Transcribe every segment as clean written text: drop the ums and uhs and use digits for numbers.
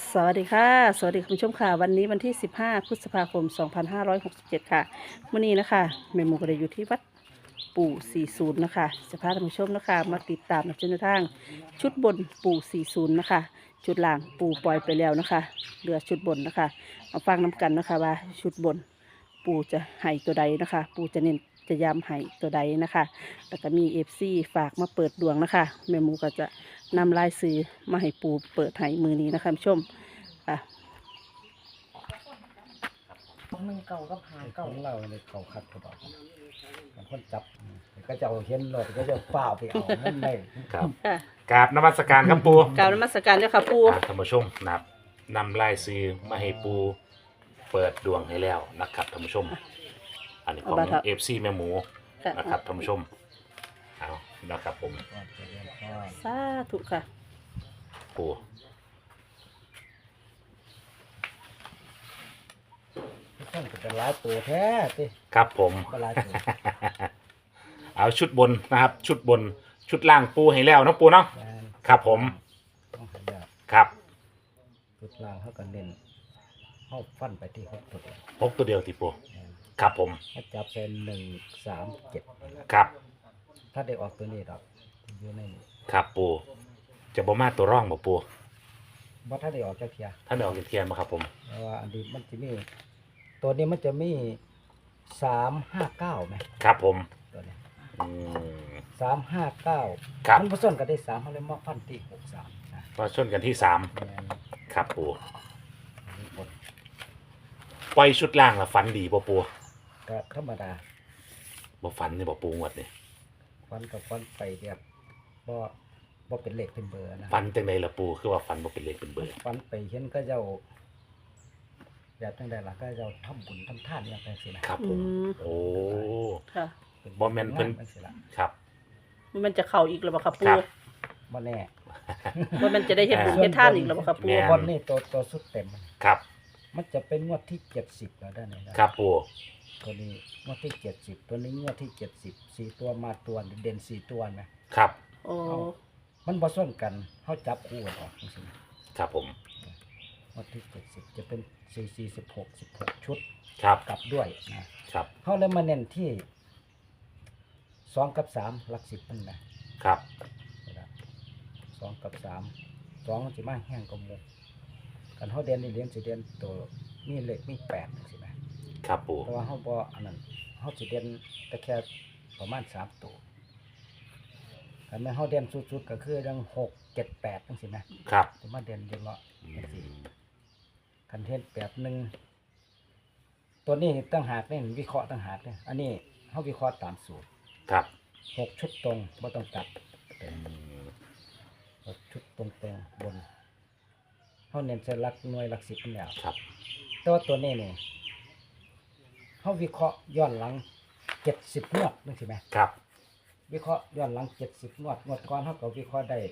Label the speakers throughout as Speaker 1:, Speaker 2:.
Speaker 1: สวัสดีค่ะสวัสดีคุณผู้ชมค่ะวันนี้วันที่15พฤษภาคม2567ค่ะวันนี้นะคะแม่หมูก็ได้อยู่ที่วัดปู่40นะคะจะพาท่านผู้ชมนะคะมาติดตามในเส้นทางชุดบนปู่40นะคะชุดล่างปู่ปล่อยไปแล้วนะคะเหลือชุดบนนะคะมาฟังน้กันนะคะว่าชุดบนปู่จะให้ตัวใดนะคะปู่จะเน้นจะย้ำให้ตัวใดนะคะแล้วก็มีFCฝากมาเปิดดวงนะคะแม่หมูก็จะนำลายซื้อมาให้ปู่เปิดให้มือนี้นะคะผู้ชมค่ะ
Speaker 2: ของหนึ่งเก่ากับหา
Speaker 3: ข
Speaker 2: เก่า
Speaker 3: องเราเนี่ยเขาคัดเขาบอกบางคนจับก็จะเอาเห็นรถก็จะเฝ้าไปเอานั่นเลย
Speaker 4: ครับ
Speaker 1: ค่ะ
Speaker 4: กราบนมัสการครับปู
Speaker 1: กล่าวนมัสการเจ้าค่ะปู่
Speaker 4: ท่านผู้ชมนะครับนำลายซื้อมาให้ปูเปิดดวงให้แล้วนะครับท่านผู้ชม อันนี้ของเอฟซีแม่หมู
Speaker 1: ค่ะ
Speaker 4: นะครับท่านผู้ชมเอานะครับผม
Speaker 3: ก็จะเรียนก็
Speaker 1: สาธุค่ะ
Speaker 4: ปู
Speaker 3: ต้องเป็นหลายตัวแท้สิ
Speaker 4: ครับผม
Speaker 3: ก็หลายตัว
Speaker 4: เอาชุดบนนะครับ ชุดบนชุดล่างปูให้แล้วเนาะปูเนาะ
Speaker 3: แมน
Speaker 4: ครับผม
Speaker 3: ต้องหายาก
Speaker 4: ครับ
Speaker 3: จุดล่างเขาก็เน้นเขาฟันไปที่หกตัวเดียว
Speaker 4: พกตัวเดียวที่ปู
Speaker 3: แม่น
Speaker 4: ครับผม
Speaker 3: เขาจับเป็น1 3 7
Speaker 4: ครับ
Speaker 3: ถ้าได้ออกตัวนี้ดอกอยู่ในนี้
Speaker 4: ครับปูจะบ่มาตัวร่องบ่ปู
Speaker 3: ว่าถ้าได้ออกจากเทีย
Speaker 4: ท่านได้ออกจากเทียนมาครับผม
Speaker 3: เพราะว่าอันนี้มันจะมีตัวนี้มันจะมี3 5 9ไหม
Speaker 4: ครับผม
Speaker 3: ตัวนี้
Speaker 4: อืม
Speaker 3: 3 5 9
Speaker 4: ครับ
Speaker 3: มันผสมกันได้3เขาเลยมาฟันที่63นะ
Speaker 4: มาชนกันที่สาม
Speaker 3: แม่น
Speaker 4: ครับปู
Speaker 3: อันนี้บน
Speaker 4: ปล่อยชุดล่างละฝันดีบ่ปู
Speaker 3: ก็ธรรมดา
Speaker 4: บ่ฝันนี่บ่ปูงวดนี่
Speaker 3: ฟันกับฟันไปเรียบบ่เป็นเลขเป็นเบอร์นะ
Speaker 4: ฝันจังไดล่ะปูคือว่าฝันบ่เป็นเลขเป็นเบอร์
Speaker 3: ฟันไปเห็นก็เจ้าแบบจังใดล่ะก็เจ้าทำบุญทำทานอย่างไรสินะครับ
Speaker 4: ผม
Speaker 1: อืม
Speaker 4: โอ้
Speaker 1: ค่ะ
Speaker 4: บ่แม่นเพิ่น
Speaker 3: จังสิล่ะ
Speaker 4: ครับ
Speaker 1: มันจะเข้าอีกหรือเปล่าค่ะ
Speaker 4: ครั
Speaker 1: ปู่
Speaker 4: บ
Speaker 3: บ่แน่
Speaker 1: ว่ามันจะได้เห็นบุญเห็นท่านอีกหรือเปล่าค่ะปู่
Speaker 4: แม่
Speaker 3: บนนี่ตัวสุดเต็ม
Speaker 4: ครับ
Speaker 3: มันจะเป็นงวดที่70แล้วได้ไหนนะครับ
Speaker 4: ปู
Speaker 3: ตัวนี้งวดที่70ตัวนี้งวดที่70 4ตัวมาตัวเด่น4ตัวนะครับ
Speaker 1: โอ้
Speaker 3: มันบ่ซ้นกันเฮาจับคู่กันออกจังซี่นะครับ
Speaker 4: ผม
Speaker 3: งวดที่70จะเป็น4 4 16ชุด
Speaker 4: ครับ
Speaker 3: กลับด้วยนะครับ เขาเลยมาเน้นที่2กับ3หลัก10มันนะครับ 2กับ3 2มันสิมาแห้งกว่าหมู่กันเฮาเด่นนี่เรียนสิเด่นตัวมีเลขมี8จังซี่นะครับ
Speaker 4: ปู
Speaker 3: แต่ว่าเฮาบ่อันนั้นเฮาสิเด่นแต่แค่ประมาณ3ตัวคันแม่นเฮาเด่นสุดๆก็คือจัง6 7 8จังซี่นะครับ สิมาเด่นอยู่เนาะจังซี่คันเฮ็ดตัวนี้ตั้งหากนี่วิเคราะห์ตั้งหากเนี่ยอันนี้เขาวิเคราะห์ตามสูตร
Speaker 4: ครับ
Speaker 3: 6 ชุดตรงไม่ต้องตัด
Speaker 4: อืม
Speaker 3: 6 ชุดตรงบนเขาเน้นใส่หลักหน่วยหลัก10เป็นแล้ว
Speaker 4: ครับ
Speaker 3: แต่ว่าตัวนี้นี่เขาวิเคราะห์ย้อนหลัง70งวดนึกใช่ไหม
Speaker 4: ครับ
Speaker 3: วิเคราะห์ย้อนหลัง70งวดก่อนเขาก็วิเคราะห์ได้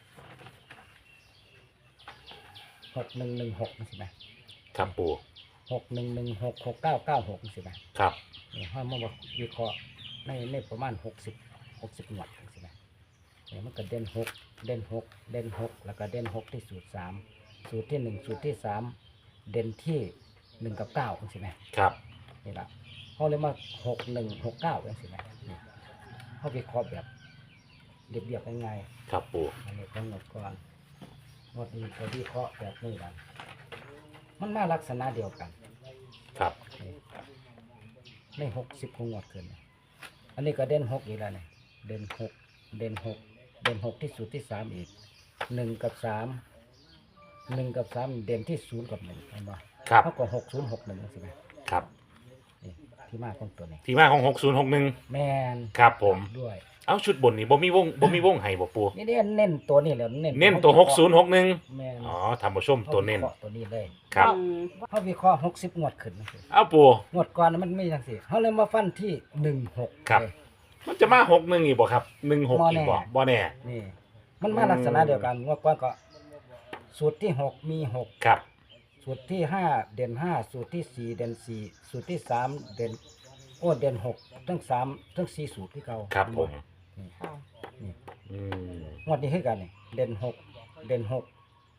Speaker 3: 6116นึกใช่ไหม
Speaker 4: ครับปู
Speaker 3: 6116 6996นึกใช่ไหม
Speaker 4: ครับ
Speaker 3: นี่เขามาวิเคราะห์ในประมาณ60งวดนึกใช่ไหมเนี่ยมันก็เด่น6เด่น6เด่น6แล้วก็เด่น6ที่สูตร3สูตรที่1สูตรที่3เด่นที่1กับ9ใช่ไหม
Speaker 4: ครับ
Speaker 3: นี่ละเขาเลยมา6169ใช่ไหมนี่เขาวิเคราะห์แบบเรียบๆง่าย
Speaker 4: ครับปู
Speaker 3: ๆอันนี้ต้องหมดก่อนหมดนี้ก็วิเคราะห์แบบนี้กันมันมาลักษณะเดียวกัน
Speaker 4: ครับ
Speaker 3: นี่ใน60งวดขึ้นอันนี้ก็เด่น6อีกแล้วเนี่ยเด่น6เด่น6เด่น6ที่สูตรที่3อีก1กับ3 1กับ3เด่นที่0กับ1เห็นบ่
Speaker 4: ครับ
Speaker 3: เท่ากับ6061ใช่ไหม
Speaker 4: ครับ
Speaker 3: นี่ที่มาของตัวนี้
Speaker 4: ที่มาของ6061
Speaker 3: แมน
Speaker 4: ครับผม
Speaker 3: ด้วย
Speaker 4: เอาชุดบนนี่บ่มีวงให้บ่ปู
Speaker 3: นี่เน้นตัวนี้แหล้วเน้น
Speaker 4: เน้นตัว6061
Speaker 3: แมน
Speaker 4: อ๋อท่านผู้ชมตัวเน้น
Speaker 3: ขาวิคราะห์ตัวนี้เลย
Speaker 4: ครับ
Speaker 1: อืม
Speaker 3: เขาวิเคราะห์60งวดขึ้นจังซี่
Speaker 4: เอาปู
Speaker 3: งวดก่อนมันไม่จังซี่เขาเลยมาฟันที่16
Speaker 4: ครับ
Speaker 3: เลย
Speaker 4: มันจะมา61อีกบ่ครับ16อีกบ่บ่แน่
Speaker 3: นี่ มันมาลักษณะเดียวกันงวดก่อนก็สูตรที่6มี6
Speaker 4: ครับ
Speaker 3: สูตรที่5เด่น5สูตรที่4เด่น4สูตรที่3เด่นเด่น6ทั้ง3ทั้ง4สูตรที่เก่า
Speaker 4: ครับผม
Speaker 3: นี่
Speaker 2: ค่ะ
Speaker 3: นี่
Speaker 4: อืม
Speaker 3: งวดนี้คือกันนี่เด่น6เด่น6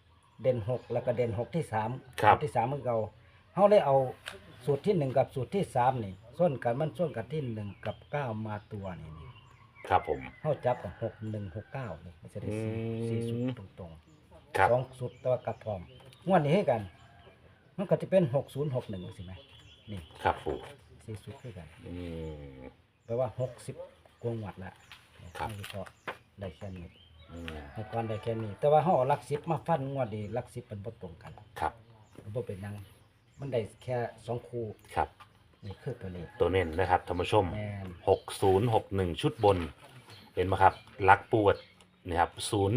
Speaker 3: เด่น6แล้วก็เด่น6ที่3
Speaker 4: ครับ
Speaker 3: ที่3มันเก่าเฮาเลยเอาสูตรที่1กับสูตรที่3นี่ส้นกันมันส้นกันที่1กับ9มาตัวนี่
Speaker 4: ครับผม
Speaker 3: เฮาจับกับ6169นี่มันจะได้สี่สูตรตรง
Speaker 4: ครับ
Speaker 3: ๆ2สูตรตัวกับพร้อมงวดนี้ให้กัน มันก็จะเป็น6061สิแม่นี่
Speaker 4: ครับปู
Speaker 3: สี่สูตรคือกัน
Speaker 4: อืม
Speaker 3: แปลว่า60กว่าหมดละ
Speaker 4: ครับ
Speaker 3: ให้พอได้แค่นี้
Speaker 4: อืม
Speaker 3: ให้ก่อนได้แค่นี้ แต่ว่าเฮาเอาหลัก10มาฟันงวดนี้หลัก10มันบ่ตรงกัน
Speaker 4: ครับ
Speaker 3: มันบ่เป็นหยังมันได้แค่2คู่
Speaker 4: ครับ
Speaker 3: นี่คือตัวนี้
Speaker 4: ตัวเน้นนะครับท่านผู้ชม
Speaker 3: แม่น
Speaker 4: 6061 ชุดบน เห็นไหมครับลักปวดนี่ครับ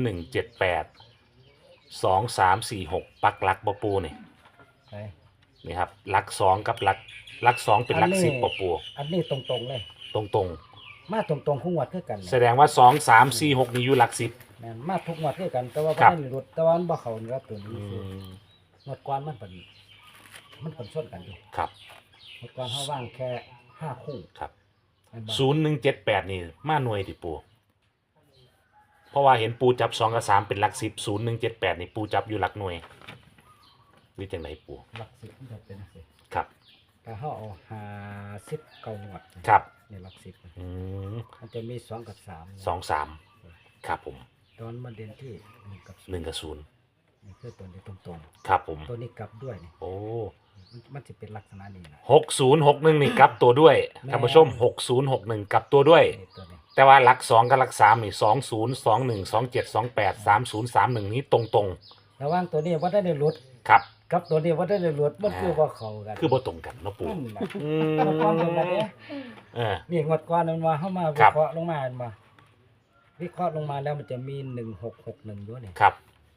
Speaker 4: 0178 2346 ปักลักบปูนี่
Speaker 3: ไป
Speaker 4: นี่ครับลัก2กับลัก2เป็นลัก10ปปู
Speaker 3: อันนี้ตรงๆเลย
Speaker 4: ตรง
Speaker 3: มาตรงๆคู่งวดคือกัน
Speaker 4: ๆ แสดงว่า 2 3 4 6 นี่อยู่ลัก10
Speaker 3: แม่นมาทุกงวดคือกัน แต่ว่า
Speaker 4: ครั
Speaker 3: บ่
Speaker 4: บ
Speaker 3: ได้หลุดแต่ว่ามันบ่เข้านี่ครับตัวนี้
Speaker 4: อื
Speaker 3: คือ
Speaker 4: ม
Speaker 3: งวดก่อนมันเป็นส้นกันอยู่
Speaker 4: ครับ
Speaker 3: งวดก่อนเฮาว่างแค่5คู่
Speaker 4: ครับ
Speaker 3: แม่นบ่
Speaker 4: 0178 นี่มาหน่วยดิปู เพราะว่าเห็นปูจับ2กับ3เป็นหลัก10 0178 นี่ปูจับอยู่หลักหน่วยวิจังไหนปู
Speaker 3: หลัก10มันจะเป็นจังซี่
Speaker 4: ครับ
Speaker 3: ถ้าเฮาเอา50เก้างวด
Speaker 4: ครับ
Speaker 3: นี่หลัก10
Speaker 4: อืม
Speaker 3: มันจะมี2กับ3
Speaker 4: 2 3ครับผม
Speaker 3: ตอนมาเด่นที่1กับ
Speaker 4: 1กับ0
Speaker 3: นี่คือตัวนี้ตรง
Speaker 4: ครับผม
Speaker 3: ๆตัวนี้กลับด้วยนี่
Speaker 4: โอ้
Speaker 3: มันจะเป็นลักษณะนี้นะ
Speaker 4: 6061 นี่กลับตัวด้วย
Speaker 3: แม่
Speaker 4: ท่านผู้ชม 6061 กลับตัวด้วย
Speaker 3: นี่ตัวนี้
Speaker 4: แต่ว่าหลัก 2 กับหลัก 3 นี่ 20 21 27 28 30 31 นี้ตรง
Speaker 3: ระหว่างตัวนี้ว่าได้หลุด
Speaker 4: ๆ ครับ
Speaker 3: กับตัวนี้ว่าได้หลุดมันคือว่าเข้ากัน
Speaker 4: คือบ่ตรงกันเนาะปู
Speaker 3: นั่นน่ะ
Speaker 4: อื
Speaker 3: งวดก่อนเป็นแบบนี้
Speaker 4: เออ
Speaker 3: นี่งวดก่อนมันมาเข้ามา
Speaker 4: ค
Speaker 3: วิ
Speaker 4: รับ
Speaker 3: เคราะห์ลงมาเห็นบ่วิเคราะห์ลงมาแล้วมันจะมี1661ด้วยนี่
Speaker 4: ครับ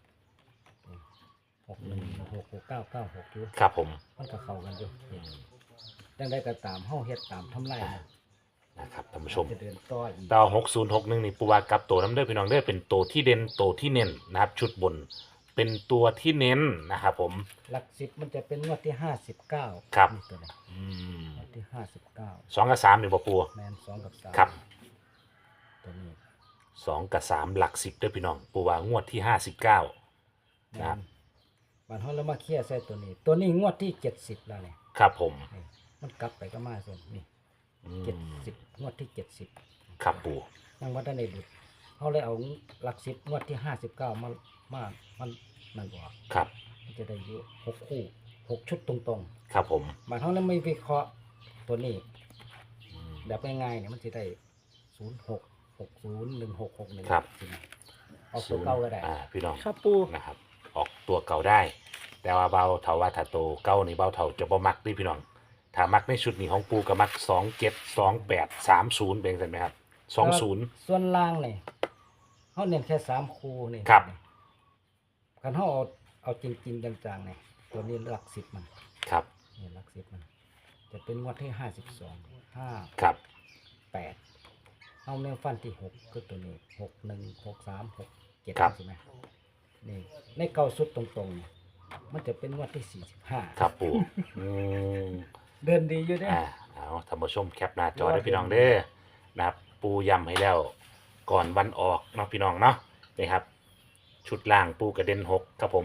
Speaker 3: 61 66 69 96อยู่
Speaker 4: ครับผม
Speaker 3: มันก็เข้ากันอยู่นี่จังได๋ก็ตามเฮาเฮ็ดตามทำลายนะ
Speaker 4: นะครับท่านผู้ชม
Speaker 3: จะเดินต่ออีก
Speaker 4: ดาว6061 นี่ปูว่ากลับตัวน้ำเด้อพี่น้องเด้อเป็นตัวที่เด่นตัวที่เน้นนะครับ ชุดบน เป็นตัวที่เน้นนะครับผม
Speaker 3: หลัก10มันจะเป็นงวดที่59
Speaker 4: ครับ
Speaker 3: นี่ตัวนี้
Speaker 4: อืม
Speaker 3: งวดที่59
Speaker 4: 2กับ3นี่บ่ปู
Speaker 3: แม่น2กับ3
Speaker 4: ครับ
Speaker 3: ตัวนี้
Speaker 4: 2กับ3หลัก10เด้อพี่น้องปูว่างวดที่59 ครับ
Speaker 3: บัดเฮาแล้วมาเคลียร์ใส่ตัวนี้ ตัวนี้งวดที่70แล้วนี่
Speaker 4: ครับผม
Speaker 3: นี่มันกลับไปก็มาส่วนนี่
Speaker 4: อืม
Speaker 3: 70งวดที่70
Speaker 4: ครับปู
Speaker 3: ยังว่าได้ในดุดเฮาเลยเอาหลัก10งวดที่59มามันนั่นบ่
Speaker 4: ครับ
Speaker 3: มันจะได้อยู่6คู่6ชุดตรง
Speaker 4: ครับผม
Speaker 3: ๆบัดเฮาแล้วไม่วิเคราะห์ตัวนี้
Speaker 4: อืม
Speaker 3: แบบง่ายๆเนี่ยมันสิได้06 60 1661
Speaker 4: ครับ
Speaker 3: สินะเอาตัวเก่าก็ได้
Speaker 4: พี่น้อง
Speaker 1: ครับปู
Speaker 4: นะครับ ออกตัวเก่าได้ แต่ว่าเบาเถาว่าถ้าโตเก่านี่เบาเถาจะบ่มักเด้พี่น้องถ้ามักในชุดนี้ของปูก็มัก27 28 30เป็นจังได๋ไหมครับ20
Speaker 3: ส่วนล่างนี่เฮาเน้นแค่3คู่นี่
Speaker 4: ครับ
Speaker 3: คันเฮาเอาจริงๆจังๆนี่ตัวนี้หลัก10มัน
Speaker 4: ครับ
Speaker 3: นี่หลัก10มัน จะเป็นงวดที่52
Speaker 4: ครับ
Speaker 3: 58เอาแนวฟันที่6คือตัวนี้61 63 67
Speaker 4: ครับ
Speaker 3: ใช่ไหมนี่ในเก่าสุดตรงๆนี่มันจะเป็นงวดที่45
Speaker 4: ครับปูอืม
Speaker 3: เดินดีอยู่เด้
Speaker 4: เอาท่านผู้ชมแคปหน้าจอได้พี่น้องเด้อนะครับปูย้ำให้แล้วก่อนวันออกเนาะพี่น้องเนาะนี่ครับ ชุดล่างปูกระเด็น6ครับผม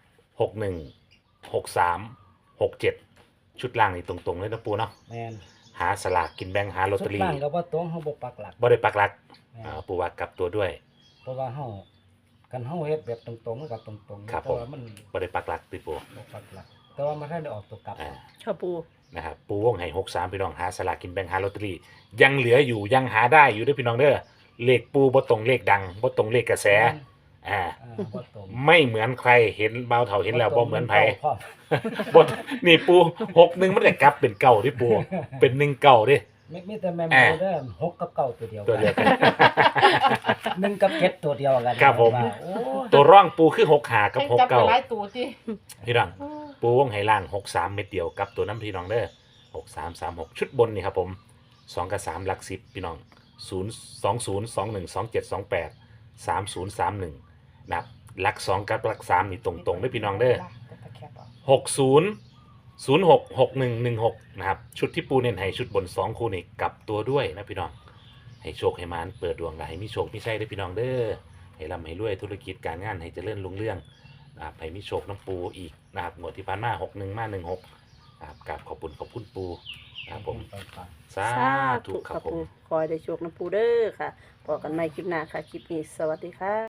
Speaker 4: 61 63 67 ชุดล่างนี่ตรงๆเลยนะปูเนาะ
Speaker 3: แม่น
Speaker 4: หาสลากกินแบ่งหาลอต
Speaker 3: สุ
Speaker 4: เต
Speaker 3: ด
Speaker 4: อรี่
Speaker 3: ล่างก็บ่ตรงเฮาบ่ปักหลัก
Speaker 4: บ่ได้ปักหลัก
Speaker 3: แม่น
Speaker 4: ปูว่ากลับตัวด้วย
Speaker 3: เพราะว่าเฮากันเฮาเฮ็ดแบบตรงๆมันก็ตรงๆ
Speaker 4: ครับ
Speaker 3: แต่ว่ามัน
Speaker 4: บ่ได้ปักหลักติปู
Speaker 3: บ่ปักหลัก แต่ว่ามันได้ออกตัวกลับ
Speaker 4: อ่า
Speaker 1: ครับปู
Speaker 4: นะครับปูวงให้63พี่น้องหาสลากกินแบ่งหาลอตเตอรี่ยังเหลืออยู่ยังหาได้อยู่เด้อพี่น้องเด้อเลขปูบ่ตรงเลขดังบ่ตรงเลขกระแสอ่า
Speaker 3: บ่ตรง
Speaker 4: ไม่เหมือนใครเห็นเบาเถาเห็นแล้วบ่เหมือนไผ
Speaker 3: พร้อม
Speaker 4: บทนี่ปู61มันได้กลับเป็นเก่าที่ปูเป็น1เก่าดิ
Speaker 3: มีแต่แม่น
Speaker 4: อ่า
Speaker 3: บ่เด้อ6กับ9ตัวเดียว
Speaker 4: ตัวเดียวกัน
Speaker 3: 1กับ7ตัวเดียวกัน
Speaker 4: ครับผม
Speaker 3: ว่าโอ้
Speaker 4: ตัวร่องปูคือ6หากับ
Speaker 2: ให้
Speaker 4: 6
Speaker 2: จับไป
Speaker 4: เก่า
Speaker 2: หลายตัวที่
Speaker 4: พี่น้องปูวงไหล่าง63เม็ดเดียวกับตัวน้ำพี่น้องเด้อ6336ชุดบนนี่ครับผม2กับ3หลัก10พี่น้อง0 20 21 27 28 3031นะครับหลัก2กับหลัก3นี่ตรงๆเด้อพี่น้องเด้อ 60 06 61 16นะครับชุดที่ปูเน้นให้ชุดบน2คู่นี่กลับตัวด้วยนะพี่น้องให้โชคให้มานเปิดดวงและให้มีโชคมีชัยเด้อพี่น้องเด้อให้ร่ำให้รวยธุรกิจการงานให้เจริญรุ่งเรืองนะครับให้มีโชคน้ำปูอีกนะครับงวดที่ผ่านมา61มา16นะครับกราบขอบคุณปูนะครับผม
Speaker 3: ไปฟัง
Speaker 4: สา
Speaker 1: สา
Speaker 4: ธุ
Speaker 1: ธุ
Speaker 4: ครั
Speaker 1: ค่ะ
Speaker 4: บผม
Speaker 1: ปูคอยได้โชคน้ำปูเด้อค่ะพอกันใหม่คลิปหน้าค่ะ คลิปนี้สวัสดีค่ะ